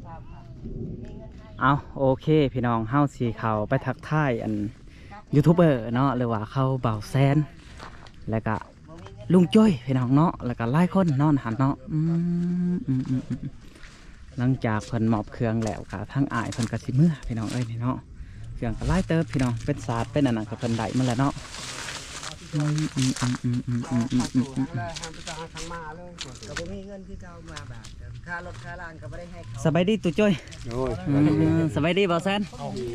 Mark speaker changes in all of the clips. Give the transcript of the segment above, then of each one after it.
Speaker 1: เอาโอเคพี่น้องเฮาสีเขาไปทักทายอันยูทูบเบอร์เนาะหรือว่าเขาเบาแซนแล้วก็ลุงจ้อยพี่น้องเนาะแล้วก็หลายคนนอนหันเนาะหลังจากเพิ่นมอบเครื่องแล้วค่ะทั้งอายเพิ่นกระสิเมื่อพี่น้องเอ้ยนี่เนาะเครื่องก็หลายเติบพี่น้องเป็นศาสตร์เป็นอันนั้นก็เพิ่นได้มาแล้วเนาะสบายดีตุ๊จ้อยสบายดีบ่แซน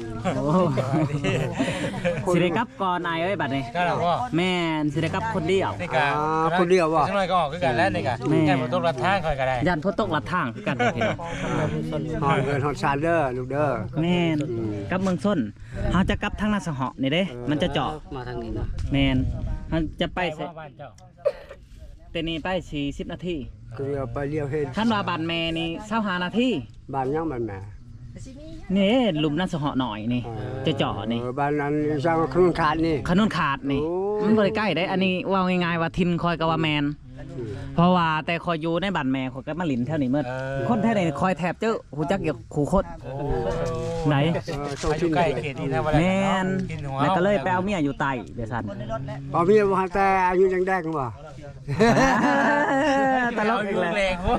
Speaker 1: สิได้กลับก่อนนายเอ้ยบัดนี้แม่นสิได้กลับคนเดียว
Speaker 2: คนเดียวบ่
Speaker 3: จังหน่อยก็ออกคือกันแล้วนี่ก็ยันบ่ตกลัดทางค่อยก็ได้
Speaker 1: ยันบ่ตกลัดทางคือกันพี่น้อง
Speaker 2: ฮอดเงินฮอดซานเด้อลูกเด้อ
Speaker 1: แม่นกลับเมืองส้นเฮาจะกลับทางนาสะเหาะนี่เด้มันจะเจาะ
Speaker 4: มาทางนี้เนาะ
Speaker 1: แม่นเฮาจะไปแต่นี่ไป40นาที
Speaker 2: คือไปเลี้ยวเห็น
Speaker 1: ท่านว่าบ้านแม่นี่25นาที
Speaker 2: บ้านยังบ้านแม่
Speaker 1: นี่หลุมนาสะเหาะหน่อยนี่จะเจาะนี่
Speaker 2: บ้านนั้นสร้างขนุนขาดนี่
Speaker 1: ขนุนขาดนี่มันบ่ได้ใกล้ได้อันนี้ว่าง่ายๆว่าทินคอยก็ว่าแมนเพราะว่าแต่คอยอยู่ในบ้านแม่คอยก็มาหลินแถวนี้เมื่อคนแถวนี้คอยแทบเจ้าหูจักเกี่ยวขู่คดไหน
Speaker 3: อยู่ใกล้เขตนี้นะ
Speaker 1: แม่นแล้วก็เลยไปเอาเมียอยู่ใต้เดี๋ยวสั่น
Speaker 2: เอาเมียบ่แต่อายุยังแดงบ่
Speaker 1: ตลกอีกแล้ว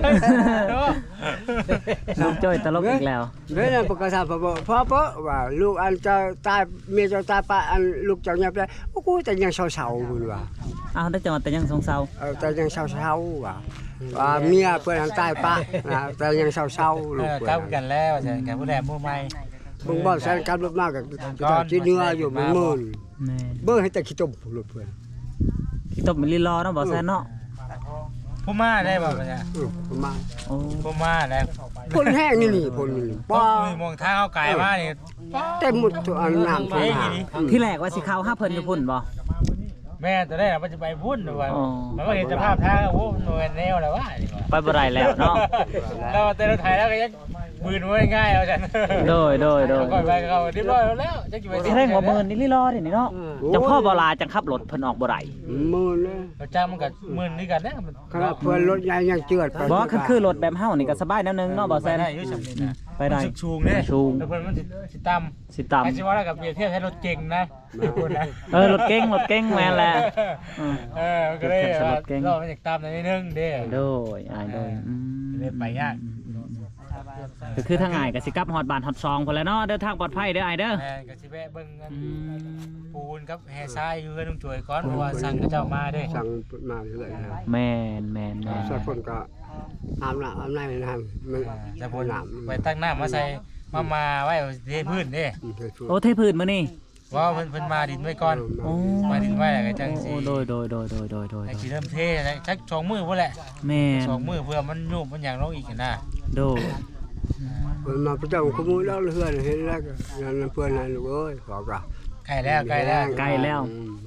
Speaker 1: ลูกจ้อยตลกอีกแล้ว
Speaker 2: เว้ยปกติพ่อว่าลูกอันจะตายเมียจะตายปะอันลูกเจ้าเนี่ยไปโอ้กูแต่ยังเศร้าๆพุ่นว่า
Speaker 1: อ้าวได้จังหวัดแต่ยังสงเศร้า
Speaker 2: แต่ยังเศร้าๆว่าเมียเพิ่นอันตายปะแต่ยังเศร้าๆลูก
Speaker 3: กลับกันแล้วใช่กันผู้แลผู้ใหม่
Speaker 2: มึงบ่แซนกันรถมากกับที่เนื้ออยู่มันมื่นเบิ่งให้แต่ขี้ต้มลูกเพิ่น
Speaker 1: ขี้ต้มมันลีรอเนาะบ่แซนเนาะ
Speaker 3: ผู้มาได้บ่เนี่ย
Speaker 2: ผู้มา
Speaker 3: ผู้มาได้
Speaker 2: พ่นแห้งนี่พ่น
Speaker 3: ป้ามองทางเอาไก่มานี่
Speaker 2: เต็มหมดทุกอันน้ำ
Speaker 1: ที่แรกว่าสิเข้าหาเพิ่นอยู่พุ่นบ่
Speaker 3: แม่แต่ได้ว่าจะไปพุ่นด้วยมันก็เห็นสภาพทางโอ้หน่วยแนวแล้วว่า
Speaker 1: ไปบ่ได้แล้วเนาะ
Speaker 3: เราแต่เราถ่ายแล้วก็ยังมือมันง่ายเอาจัง
Speaker 1: โดย
Speaker 3: ก่อนไปเขาเรียบร้อยแล้วจะกี่ไป
Speaker 1: แสดงว่ามื้อนี้ลีรอนี่เนาะจังพ่อบ่ลาจังขับรถเพิ่นออกบ่ได้
Speaker 2: มื้อเลย
Speaker 3: เราจ้างมันก็มื้อนี้กันนะ
Speaker 2: ครับเพิ่นรถใหญ่ยังเจือด
Speaker 1: บ่คือรถแบบเฮานี่ก็สบายแนวนึงเนาะบ่แซน
Speaker 3: ได้อยู่ซั่นนี่นะ
Speaker 1: ไปได้
Speaker 3: ชูงเด้แล้วเพิ่นมันสิต่ำสิว่าแล้วกับเปรียบเทียบให้รถเก่งนะ
Speaker 1: รถเก่งแม่นแหละ
Speaker 3: ก็เลยเรามันอยากตามหน่อยนึงเด้
Speaker 1: โดยอ้ายโดย
Speaker 3: เลยไปยาก
Speaker 1: ก็คือทางง่ายก็สิกลับฮอดบ้านฮอดซองพุ่นแหละเนาะเดินทางปลอดภัยเด้ออ้ายเด้อ
Speaker 3: ก็สิแวะเบิ่งปูนกับแห่ทรายอยู่เฮือนลุงจ่วยก่อนเพราะว่าสั่งเขาเจ้ามาเด้
Speaker 2: สั่งมาเรื่อย
Speaker 1: ๆแม่น
Speaker 2: สักคนก็อาบน้ำมัน
Speaker 3: จะพ่นไปตั้งน้ำมาใส่มาไว้เทพื้นเด้
Speaker 1: โอ้เทพื้นมื้อนี้
Speaker 3: ว่าเพิ่นมาดินไว้ก่อนมาดินไว้แล้วก็จังสิ
Speaker 1: โดย
Speaker 3: ไอ้สิเริ่มเทจัก2มื้อพุ่นแหละ
Speaker 1: แม่
Speaker 3: 2มื้อเพื่อมันยุบมันหยังลงอีกนะ
Speaker 1: โด
Speaker 2: เพิ่นมาประจำขโมยแล้วเฮือนเห็นแล้วก็นั่นเพิ่นนั่นลูกเอ้ยบอกว่า
Speaker 3: ใกล้แล้ว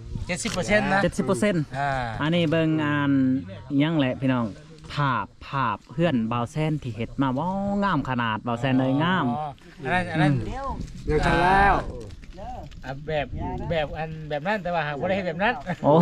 Speaker 3: 70% นะ
Speaker 1: 70%อันนี้เบิ่งอ่านยังแหละพี่น้องภาพเพื่อนเบาแซนที่เฮ็ดมาว้างามขนาดเบาแซนเลยงาม
Speaker 3: อันนั้น
Speaker 2: ยังทันแล้ว
Speaker 3: แบบนั้นแต่ว่าหากบ่ได้เฮ็ดแบบนั้น
Speaker 1: โอ้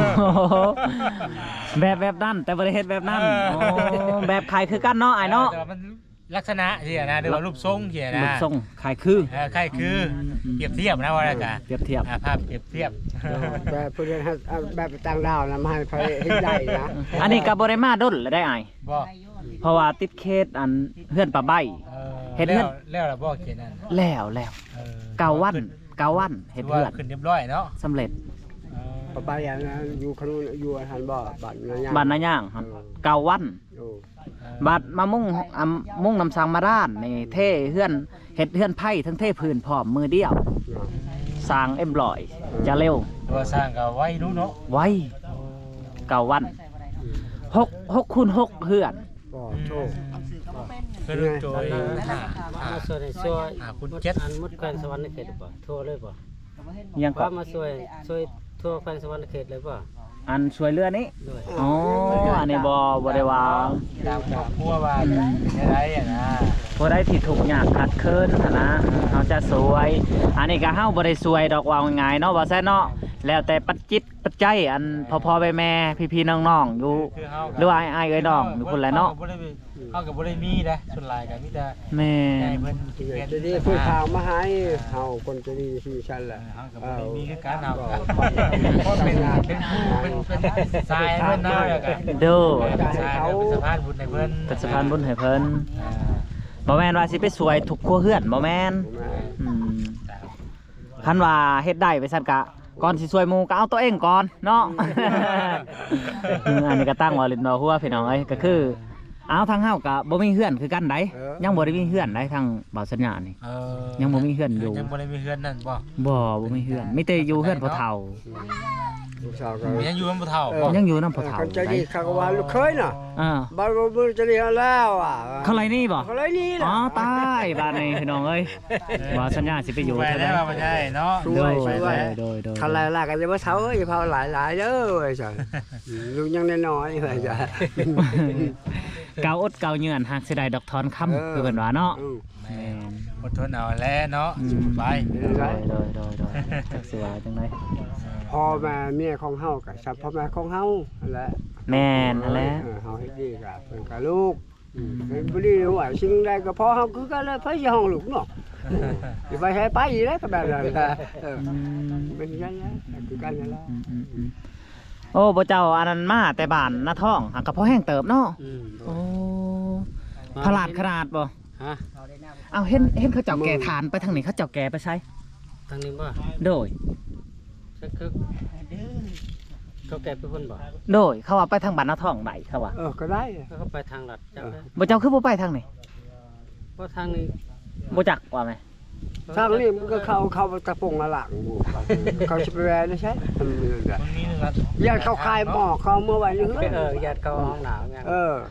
Speaker 1: แบบนั้นแต่บ่ได้เฮ็ดแบบนั้นโอ้แบบขายคือกันเนาะอ้ายเนาะ
Speaker 3: แต่มันลักษณะที่นะหรือว่ารูปทรงที่นะ
Speaker 1: รูปทรงขายคือ
Speaker 3: เปรียบเทียบนะว่าแล้วก็
Speaker 1: เปรียบเทียบ
Speaker 3: ภาพเปรียบเทียบ
Speaker 2: แบบเพิ่นแบบต่างดาวนะมาให้เขาเฮ็ดได้นะ
Speaker 1: อันนี้ก็บ่ได้มาดนแล้วได้อ้าย
Speaker 3: บ่
Speaker 1: เพราะว่าติดเคสอันเพื่อนป้าใบ
Speaker 3: เฮ็ดแล้วล่ะบ่เขียนนั่น
Speaker 1: แล้ว9 วันเฮ็ดเพื่อน
Speaker 3: ขึ้นเรียบร้อยเนาะ
Speaker 1: สำเร็จ
Speaker 2: ป้าใบอย่างนั้นอยู่ขนุนอยู่หันบ่บ้
Speaker 1: านนาย่าง9 วันบัดมามุ่งนำสังมาด้านนี่เท่เฮือนเฮ็ดเฮือนไผ่ทั้งเท่พื้นพร้อมมือเดียวสร้างเอ็มบลอยจะเร็ว
Speaker 3: ตัวสร้างก็ไวรู้เนาะ
Speaker 1: ไว9 วัน6 คูณ 6เฮือน
Speaker 2: โชค
Speaker 3: คือโดย
Speaker 4: ช่วย
Speaker 3: คุณ7
Speaker 4: อันมุดแคว้นสวรรค์เขตบ่ทั่วเลยบ่
Speaker 1: ยังก็
Speaker 4: มาช่วยทั่วแคว้นสวรรค์เขตเลยบ่
Speaker 1: อันช่วยเรือนี้อ๋ออันนี้บ่ได้ว่า
Speaker 3: ตามพัวว่าอะไรนะ
Speaker 1: พอได้ที่ถูกยากขัดเคินนะเขาจะสวยอันนี้ก็เฮาบ่ได้สวยดอกว่าง่ายเนาะว่าแซ่เนาะแล้วแต่ปัจจิตปัจจัยอันพ่อแม่พี่ๆน้องๆอยู่หรือว่าอ้ายเอ้ยน้องอยู่พุ่นแหละเนาะ
Speaker 3: เเขาก็บ่ได้มีนะส่วนหลายก็มีแต่
Speaker 1: แม่
Speaker 3: ใหญ่
Speaker 1: น
Speaker 3: เพิ่นเปลี่ยน
Speaker 2: จะดีผู้ข่าวมาให้เฮาคนจะดีที่ฉันแหละ
Speaker 3: เฮาก็บ่ได้มีคือการเอาเพราะเป็นผู้เป็นทรายเพิ่นเนาะแล้วก็
Speaker 1: โด
Speaker 3: เป็นทรายเป็นสะพานบุญให้เพิ่น
Speaker 1: เป็นสะพานบุญให้เพิ่นบ่แม่นว่าสิไปสวยทุกครัวเรือนบ่แม่นอืมคันว่าเฮ็ดได้ไปซั่นกะก่อนสิสวยหมู่ก็เอาตัวเองก่อนเนาะ อันนี้ก็ตั้งว่าลิ้นบ่ฮู้ว่าพี่น้องเอ้ยก็คือเอาทางเฮาก็บ่มีเฮือนคือกันไดยังบ่ได้มีเฮือนไดทางบ่าวสัญญานี่ ยังบ่มีเฮือนอยู่
Speaker 3: ยังบ่ได้มีเฮือนนั่นบ่
Speaker 1: บ่มีเฮือนมีแต่อยู่เฮือนพ่อเฒ่า
Speaker 2: ลูกสาวก็
Speaker 3: ยังอยู่มันบ่เฒ่าบ่
Speaker 1: ยังอยู่นำพ่อเฒ่า
Speaker 2: คนจะดีเขาก็ว่าลูกเคยน่ะ
Speaker 1: บ้าน
Speaker 2: บ่จะดีแล้วอ่ะ
Speaker 1: เขาไรนี่บ่
Speaker 2: เขาเลยนี่ล่ะ
Speaker 1: อ๋อตายบ้านนี้พี่น้องเอ้ยบ่าวสัญญาสิไปอยู่
Speaker 3: ไป
Speaker 1: เท่า
Speaker 3: ได้
Speaker 1: ใด
Speaker 3: บ่ได้เนาะ
Speaker 1: โดยโดย
Speaker 2: เขาไล่ๆกันจะว่าเฒ่าเอ้ยเผาหลายๆเด้อไอ้จ้ะลูกยังน้อยๆไอ้จ้ะ
Speaker 1: เกาอดเกาเยือนหักสิได้ดอกทอนคำคือเพิ่นว่าเนาะ
Speaker 3: แม่อดทนเอาแลเนาะสู้ไป
Speaker 1: โดยจักสิว่าจังได๋
Speaker 2: พ่อแม่เมียของเฮาก็สับพ่อแม่ของเฮานั่นแหละ
Speaker 1: แม่นนั่นแหละ
Speaker 2: เฮาเฮ็ดดีก็เพิ่นก็ลูกเป็นบ่ดีว่าสิ่งใดก็พอเฮาคือกันเลยไผสิห้องลูกเนาะสิไปให้ไปอีแล้วก็แบบนั้นเป็นอย่างนั้นคือกันนั่นแหละ
Speaker 1: โอ้บ่เจ้าอันนั้นมาแต่บ้านนาท้องหักก็พอแห้งเติบเนาะโอ้พลาดขนาดบ่
Speaker 4: ฮะ
Speaker 1: เอาเห็นเขาเจ้าแก่ทานไปทางนี้เขาเจ้าแก่ไปใช้
Speaker 4: ทางนี้บ่
Speaker 1: โดย
Speaker 4: สักคือเขาแก่เป็นคนบ่
Speaker 1: โดยเขาว่าไปทางบ้านนาท้องไหนเขาว่า
Speaker 2: ก็ได้
Speaker 4: เขาไปทางลัดจักเลย
Speaker 1: บ่เจ้าคือบ่ไปทางนี้
Speaker 4: เพราะทางนี้
Speaker 1: บ่จักว่าไหม
Speaker 2: ทางนี้มันก็เข้าตะปงละหลังเขาสิไปแวนะใช่
Speaker 3: มันมีหนึงละ
Speaker 2: ยันเขาคายหมอกเขาเมื่อวันนี้
Speaker 4: ญาติเขาห้องหนาวไง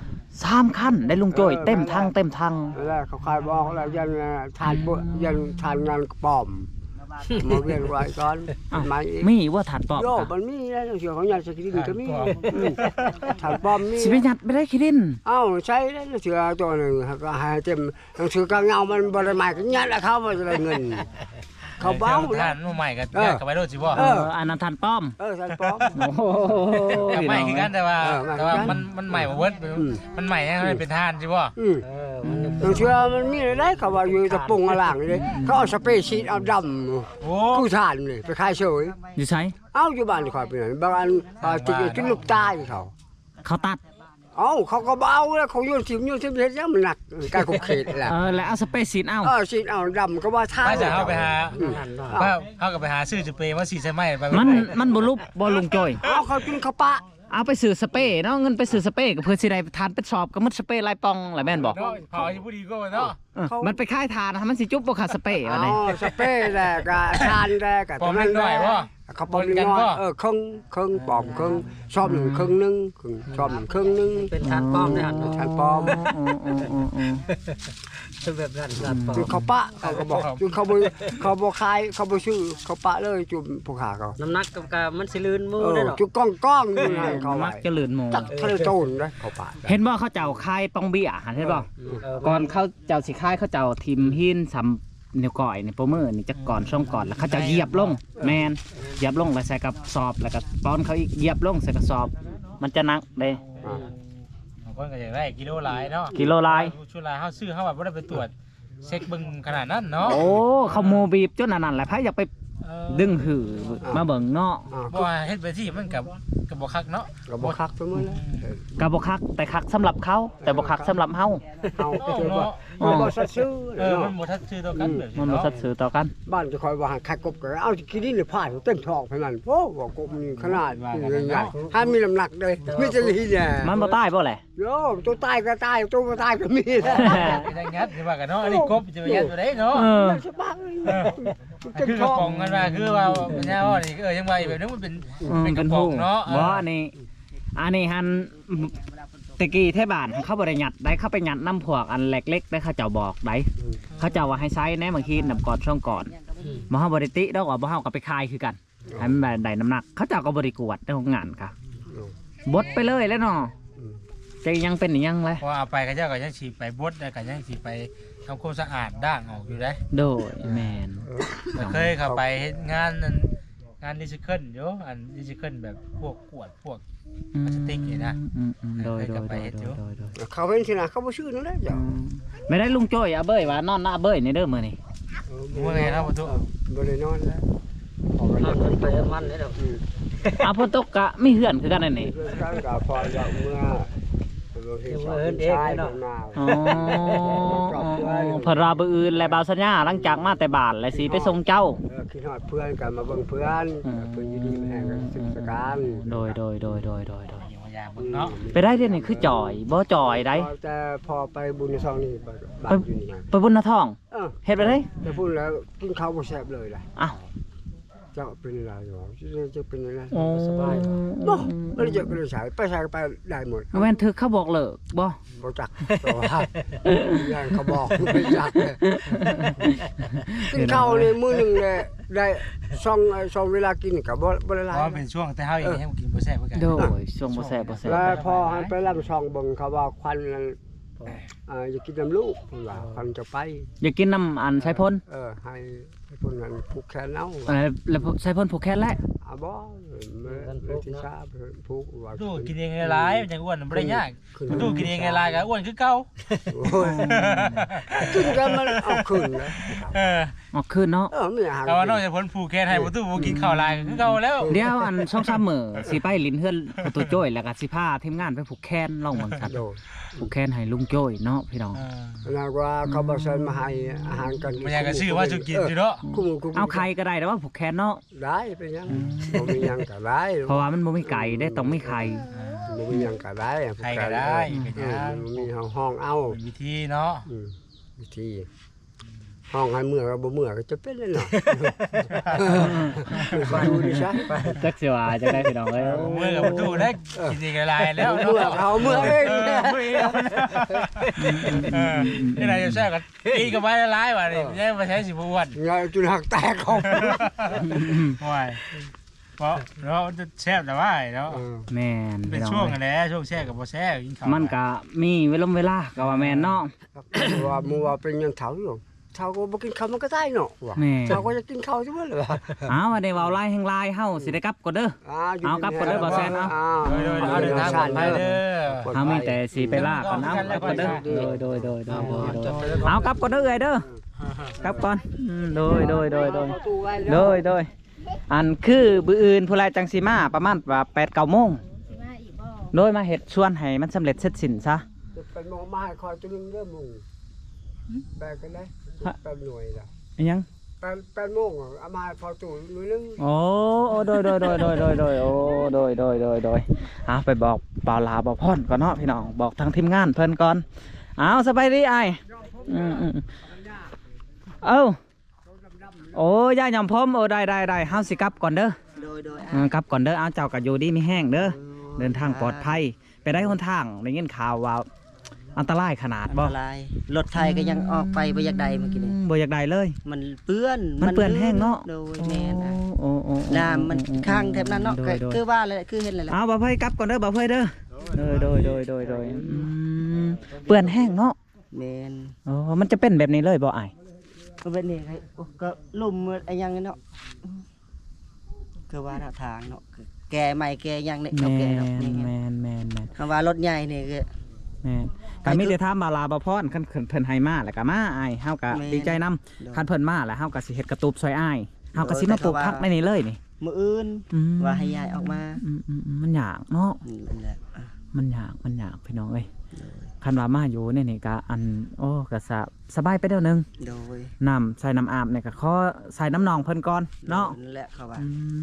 Speaker 1: 3คันได้ลุงโจ้ยเต็มทาง
Speaker 2: แล้วเขาคายบอกแล้วยันทานยันทานงานปลอมมาเรียนไว้ก่อนมาอีก
Speaker 1: มีว่าฐานปอบ
Speaker 2: โยมันมีแล้วเสียของยันสกินก็มีทานปลอมมี
Speaker 1: สิไปยัดไม่ได้คิดิน
Speaker 2: เอ้าใช่แล้วเสือตัวหนึ่งก็ให้เต็มหนังสือกางเงามันบริมากันยันแล้วเขามาจะได้เงินเขาเบ้า
Speaker 3: ทานใหม่ก็แยกกันไปโดดสิบ่
Speaker 1: อันนั้นฐานป้อม
Speaker 2: ทานปลอม
Speaker 1: โอ้โห
Speaker 3: กับใหม่คือกันแต่ว่ามันใหม่บ่เบิดมันใหม่ยังเป็นทานสิบ่
Speaker 2: หนังสือมันมีอะไรเขาว่าอยู่ตะปงหลังเลยเขาเอาสเปรย์ชีตเอาดำ
Speaker 3: โอ้
Speaker 2: กู้ทานเลยไปขายเฉย
Speaker 1: อยู่ใช้
Speaker 2: เอ้าอยู่บ้านคอยไปไหนบางอันติดจนลูกตายเขา
Speaker 1: เขาตัด
Speaker 2: เอ้าเขาก็เบาแล้วเขาโยนถิ่มเฮ็ดยังมันหนักการขบเขตแหละ
Speaker 1: แล้วเอาสเปซซีนเอา
Speaker 2: ชีตเอาดำก็ว่าท่า
Speaker 3: ถ้าจะเอาไปหาเอากับไปหาซื้อสเปรย์มาสีใส่ไม้ไป
Speaker 1: มันบ่ลุบ่ลุงโจ้ย
Speaker 2: เอาเขากินข้าวปะ
Speaker 1: เอาไปซื้อสเปรย์เนาะเงินไปซื้อสเปรย์ก็เพื่อสิได้ทานไปสอบก็มันสเปรย์ลายปองแหละแม่นบ่
Speaker 3: เนาะเผาอยู่ผู้ดีก็เนาะ
Speaker 1: มันไปค่ายทานมันสิจุบบ่ขาดสเปรย์ว่าได
Speaker 2: สเปรย์แหละก็ทานแหละก็
Speaker 3: ปอมเล็กน้อยบ่
Speaker 2: เขาปอมน้อยครึ่งปอมครึ่งชอบ1ครึ่งนึงชอบ1ครึ่งนึง
Speaker 4: เป็นทานป้อมได้หัน
Speaker 2: ทานปอม
Speaker 4: เป็นแบบนั้นทานป้อม
Speaker 2: คือเขาปะเขาก็บอกคือเขาบ่ขายเขาบ่ซื้อเขาปะเลยจุ่มผู้ขาเขา
Speaker 4: น้ำหนักกับมันสิลื่นมือได้หรอ
Speaker 2: จุก้องอยู่ให้เขา
Speaker 1: มั
Speaker 2: ไว้
Speaker 1: กจะลื่นหมู
Speaker 2: จักทะเลโจนนะเขาปะ
Speaker 1: เห็นบ่เขาเจ้าคายปองเบี้ยเห็นบ่ก่อนเขาเจ้าสิคายเขาเจ้าทิมหินสำนิ้วก้อยนี่โปรมือนี่จักก่อนช่องก่อนแล้วเขาเจ้าเหยียบลงแมนเหยียบลงแล้วใส่กับสอบแล้วก็ป้อนเขาอีกเหยียบลงใส่กับสอบ มันจะหนักเด้
Speaker 3: บางคนก็อยากได้กิโลหลายเนาะ
Speaker 1: กิโลลาย
Speaker 3: ชุดลายเฮาซื้อเฮาแบบบ่ได้ไปตรวจเช็คเบิ่งขนาดนั้นเนาะ
Speaker 1: โอ้เขาโมบีบจนอันนั้นแหละไผอยากไปดึงหือมาเบิ่งเนาะ
Speaker 3: บ่ว่าเฮ็ดไปที่มันกับบ่คักเนาะ
Speaker 2: ก็บ่คักไปหมดแล้ว
Speaker 1: ก็บ่คักแต่คักสำหรับเขาแต่บ่คักสำหรับเฮา
Speaker 2: เอาคือว่ามันบ่สัตว์ซื้อ
Speaker 3: มันบ่ทัดชื่อต่อกันแบบ
Speaker 1: มันบ่สัตย์สื่อต่อกัน
Speaker 2: บ้านจะคอยว่าขายกบก็เอากินดินหรือผ่านเต็มท้องเท่านั้นโอ้ว่ากบนี่ขนาดใหญ่ๆถ้ามีน้ำหนักเลยมีจะลีเนี่ย
Speaker 1: มันบ่ตายบ่แหละ
Speaker 2: โยตัวตายก็ตายตัวบ่ตายก็มีแล้ว
Speaker 3: ได้งัดสิว่ากันเนาะอันนี้กบจะไปยัดตัวใดเนาะ
Speaker 2: สบายเต็ม
Speaker 3: คือก
Speaker 2: ท้
Speaker 3: ระ
Speaker 2: อง
Speaker 3: ป๋องกันว่าคือว่าปัญญาว่านี่ยังว่าอีกแบบนึงมันเป็นกระป๋องเนาะ
Speaker 1: บ่อันนี้หันตะกี้เทศบาลเขาบ่ได้ยัดได้เข้าไปยัดน้ำพวกอันเล็กๆได้เขาเจ้าบอกได้เขาเจ้าว่าให้ใช้แน่บางทีน้ำก่อนช่องก่อนบ่เฮาบ่ได้ติดอกว่าบ่เฮาก็ไปคายคือกันให้มันได้น้ำหนักเขาเจ้าก็บ่ได้กวดในโรงงานค่ะบดไปเลยแล้วเนาะจะยังเป็นยังเลย
Speaker 3: พอเอาไปเขาเจ้าก็ยังสิไปบดได้ก็ยังสิไปทำความสะอาดด่างออกอยู่ได้
Speaker 1: โดยแมน
Speaker 3: เคยเข้าไปเฮ็ดงานนั้นงานรีไซเคิลอยู่อันรีไซเคิลแบบพวกขวดพวกพลาสติกนี่นะ
Speaker 1: โดย
Speaker 2: เขาเป็นที่ไหนเขาบ่ชื่อนั่นแหละจ้ะ
Speaker 1: ไม่ได้ลุงโจ้ยอาเบ้ยว่านอนหน้าเบ้ยในเด้อมื้อนี้
Speaker 3: เมื่อไงนะพ่อตุ๊
Speaker 2: บ่ได้นอนแล้วออก
Speaker 4: นอน
Speaker 2: ไป
Speaker 4: ไปมันนี่ดอก
Speaker 1: อาพ่อตกกะมีเหือนคือกันนั่นนี่
Speaker 2: เรื่องการกับพอจะเมื่อเนาะ
Speaker 1: อ๋อเพนราบอื่นและบาวสัญญาหลังจากมาแต่บ้านและสิไปส่งเจ้า
Speaker 2: คิดฮอดเพื่อนกันมาเบิ่งเพื่อนเพิ่นอยู่ดีแห่งกันศึกษาการ
Speaker 1: โดย
Speaker 3: อยู่มายามเบิ่งเนาะ
Speaker 1: ไปได้เดี๋ยวนี้คือจ่อยบ่จ่อยได้
Speaker 2: แต่พอไปบุญในซองนี่บ้านอยู่นี่
Speaker 1: ไปบุญนาท้องเฮ็ดไปได้
Speaker 2: แต่พูดแล้วกินข้าวบ่แซ่บเลยล่ะ
Speaker 1: อ้าว
Speaker 2: เจ้าเป็นอะไรอยู่จะเป็นอะไร
Speaker 1: โอ้
Speaker 2: สบายบ่บ่ได้เจอก็ได้ใช้ไปใช้ไปได้หมด
Speaker 1: แม่นถึกเขาบอกเลิกบ่
Speaker 2: บ่จักเพราะว่าอย่างเขาบอกไม่จักกินข้าวนี่มื้อนึงเนี่ยได้สองเวลากินก็บ่ได้ห
Speaker 3: เพ
Speaker 2: ลาย
Speaker 3: ราะเป็นช่วงแต่เฮาเองยังกินบ่แซ่บเหมือนกัน
Speaker 1: โดยช่วงบ่แซ่บ
Speaker 2: แล้วพอหันไปลำซองเบิ่งเขาว่าควันนั้นอย่ากินน้ำลูกเพิ่นว่าควันจะไป
Speaker 1: อย่ากินน้ำอันใช้พ่น
Speaker 2: ให้พวกนั้นผูกแขนเอา
Speaker 1: แล้วใช้พ่นผูกแขนแล้ว
Speaker 2: บ่มื้อที่ชาผูกว่า
Speaker 3: ตู้กินเองหลายมันจังอ้วนบ่ได้ยากตู้กินเองหลายก็อ้วนคือเก่า
Speaker 2: โอ้ยกินกันมันเอาคืนนะ
Speaker 1: ออกคืนเนาะ
Speaker 2: มีอาหาร
Speaker 3: แต่ว่านอกจากผลผูกแขนให้บ่ตู้บ่กินข้าวหลายก็คือเก่าแล้ว
Speaker 1: เดี๋ยวอัน2-3มื้อสิไปลิ้นเฮือนประตูโจ้ยแล้วก็สิพาทีมงานไปผูกแขนลองเบิ่งซั่น
Speaker 2: โดน
Speaker 1: ผูกแขนให้ลุงโจ้ยเนาะพี่น้อง
Speaker 2: แล้วว่าเขาบ่เชิญมาให้อาหารกัน
Speaker 3: มันอยากจะซื้อว่าจะกินอยู่เนาะ
Speaker 1: เอาใครก็ได้แต่ว่าผูกแขนเนาะ
Speaker 2: ได้เป็นยังบ่มียังก็ได้
Speaker 1: เพราะว่ามันบ่มีไก่ได้ต้องมีไข่
Speaker 2: บ่มียังก็ได้
Speaker 3: ใครก็ได้เป็นยัง
Speaker 2: มีห้องเอา
Speaker 3: เป็นวิธีเนาะ
Speaker 2: วิธีห้องให้เมื่อก็บ่เมื่อก็จะเป็นเลยเนาะดูดิซะ
Speaker 1: จักสิว่าจังได้พี่น้องเอ้ย
Speaker 3: เมื่อกับประตูได้กินเองหลายแล้ว
Speaker 2: เมื่อ
Speaker 3: เนาะ
Speaker 2: เขาเมื่อเอง
Speaker 3: นี่นายจะแซ่กันอีกับไม้หลายว่ะนี่ยังมาใช้สิบวัน
Speaker 2: ไงจุดหักแตกเขา
Speaker 3: ว้ายเพราะเราจะแซ่บแต่ว่าเนาะ
Speaker 1: แม่น
Speaker 3: เป็น
Speaker 1: พี่น้อง
Speaker 3: ช่วง
Speaker 1: เอ้ย
Speaker 3: กันแหละช่วงแซ่กับบ่แซ่กินข้าว
Speaker 1: มันก็มีเวลาก็ว่าแม่นเนาะ
Speaker 2: ว่ามัวเป็นยังเฒ่าอยู่เฒ่าก็บ่กินข้าวมันก็ได้เนาะว่า
Speaker 1: แม่
Speaker 2: เฒ่าก็จะกินข้าวใช่มั้ยล่ะ
Speaker 1: อ้าวว่าได้เว้าลายแห่งลายเฮาสิได้กลับก่อนเด้อ เอากลับก่อนเด้อบ่แซนเอา
Speaker 3: โดยเดินทางปลอดภัยเด้อ
Speaker 1: เฮามีแต่สิไปลาก่อนเอากลับก่อนเด้อโดยเอากลับก่อนเด้อเอ้ยเด้อกลับก่อนโดยอันคือบื้ออื่นผู้ใดจังสิมาประมาณว่า 8-9 โมงโดยมาเฮ็ดส่วนให้มันสำเร็จเสร็จสิ้นซะ
Speaker 2: เป็นหมอมาให้คอยตัวนึงเด้อมึงแปลกันได้แปลหน่วยล่ะ
Speaker 1: อิหยัง
Speaker 2: แปลโมงเอามาพอตู้หน่วยนึง
Speaker 1: โอ้โดยไปบอกบ่าวลาบ่าวพรก่อนเนาะพี่น้องบอกทางทีมงานเพิ่นก่อนเอาสบายดีอ้ายเอ้าโอ้ยายยำพร้อมโอ้ได้เฮาสิกลับก่อนเด้อ
Speaker 4: โดย
Speaker 1: กลับก่อนเด้อเอาเจ้าก็อยู่ดีมีแห้งเด้อเดินทางปลอดภัยไปได้หนทางได้ยินข่าวว่าอันตรายขนาดบ่
Speaker 4: ลายรถไทยก็ยังออกไปบ่อยากใดเมื่อกี้นี่
Speaker 1: บ่อยากได้เลย
Speaker 4: มันเปื้อน
Speaker 1: มันเปื้อนแห้งเนาะ
Speaker 4: โดยแม่น
Speaker 1: โอ้
Speaker 4: น้ำมันข้างแถบนั้นเนาะคือว่าเลยคือเห็นเลยแหละ
Speaker 1: เอาบ่เพ่ยกลับก่อนเด้อบ่เพ่ยเด้อโดยเปื้อนแห้งเนาะ
Speaker 4: แม่น
Speaker 1: อ๋อมันจะเป็นแบบนี้เลยบ่อ้าย
Speaker 4: ก็เป็นนี่ก็ลุ่มไอ้ยังเนาะคือว่าทางเนาะแกใหม่แกยังเนี่ยเขาแกเนาะ
Speaker 1: แม่น
Speaker 4: คำว่ารถใหญ่นี่คือ
Speaker 1: แม่นก็มีแต่ถามบาลาบ่พรคันเพิ่นให้มาแล้วก็มาอ้ายเฮาก็ดีใจนำคันเพิ่นมาแล้วเฮาก็สิเฮ็ดกระตูบซอยอ้ายเฮาก็สิมาปลูกผักในนี้เลยนี่
Speaker 4: มื้ออื่นว่าให้ยายออกมา
Speaker 1: มันยากเนาะ
Speaker 4: นั่นแหละ
Speaker 1: มันยากพี่น้องเอ้ยคันว่ามาอยู่เนี่ยนี่ก็อันโอ้ก็สบายไปเดี๋ยวนึง
Speaker 4: โดย
Speaker 1: น้ำใส่น้ำอาบเนี่ยก็ขอใส่น้ำนองเพิ่นก่อนเนาะ
Speaker 4: นั่นแหละเขาว่า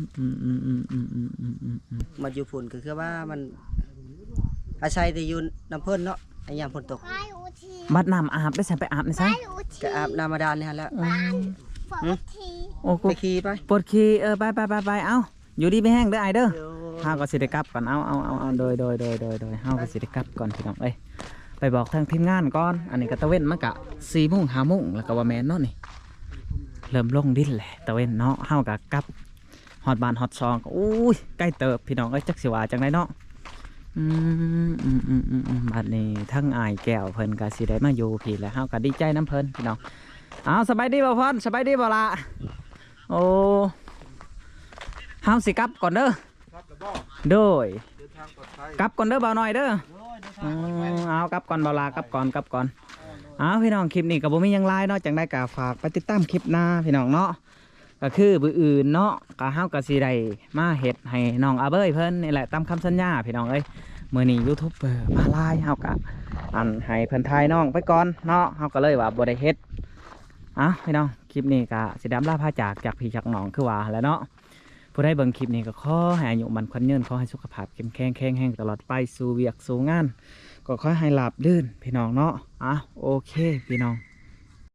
Speaker 4: มาอยู่ฝุ่นก็คือว่ามันอาศัยแต่อยู่น้ำเพิ่นเนาะไอ้ยามฝนตก
Speaker 1: บัดน้ำอาบได้ใส่ไปอาบนี่ซะ
Speaker 4: ก็อาบน้ำมาดานนี่ฮะแล้ว
Speaker 1: โอ้กู
Speaker 4: ไปขี่ไป
Speaker 1: ปวดขี้ไปเอ้าอยู่ดีไปแห้งเด้อไอเด้อเฮาก็สิได้กลับก่อนเอาโดยเฮาก็สิได้กลับก่อนพี่น้องเอ้ยไปบอกทางทีมงานก่อนอันนี้ก็ตะเว้นมันก็4 โมง 5 โมงแล้วก็ว่าแม่นเนาะนี่เริ่มลงดินแหละตะเว้นเนาะเฮาก็กลับฮอดบ้านฮอดซองก็อุ้ยใกล้เติบพี่น้องเอ้ยจักสิว่าจังไดเนาะบัดนี้ทั้งอายแก้วเพิ่นก็สิได้มาอยู่พี่แล้วเฮาก็ดีใจน้ำเพิ่นพี่น้องสบายดีบ่พรสบายดีบ่ล่ะโอ้เฮาสิกลับก่อนเด้อโดยกลับก่อนเด้อบ่าวน้อยเด้อเอากลับก่อนบ่าวลากลับก่อนเอาพี่น้องคลิปนี้ก็บ่มีหยังหลายเนาะจังได้ก็ฝากไปติดตามคลิปหน้าพี่น้องเนาะก็คือมื้ออื่นเนาะก็เฮาก็สิได้มาเฮ็ดให้น้องอาเบ้ยเพิ่นนี่แหละตามคำสัญญาพี่น้องเอ้ยมื้อนี้ยูทูบเบอร์มาหลายเฮาก็อันให้เพิ่นทายน้องไปก่อนเนาะเฮาก็เลยว่าบ่ได้เฮ็ดพี่น้องคลิปนี้ก็สิได้ลาพาจากพี่จากน้องคือว่าแหล้วเนาะผู้ใดเบิ่งคลิปนี้ก็ขอให้อายุมันขวัญยืนขอให้สุขภาพเข้มแข็งแรงตลอดไปสู่เวียกสู่งานก็ขอให้ราบรื่นพี่น้องเนาะโอเคพี่น้อง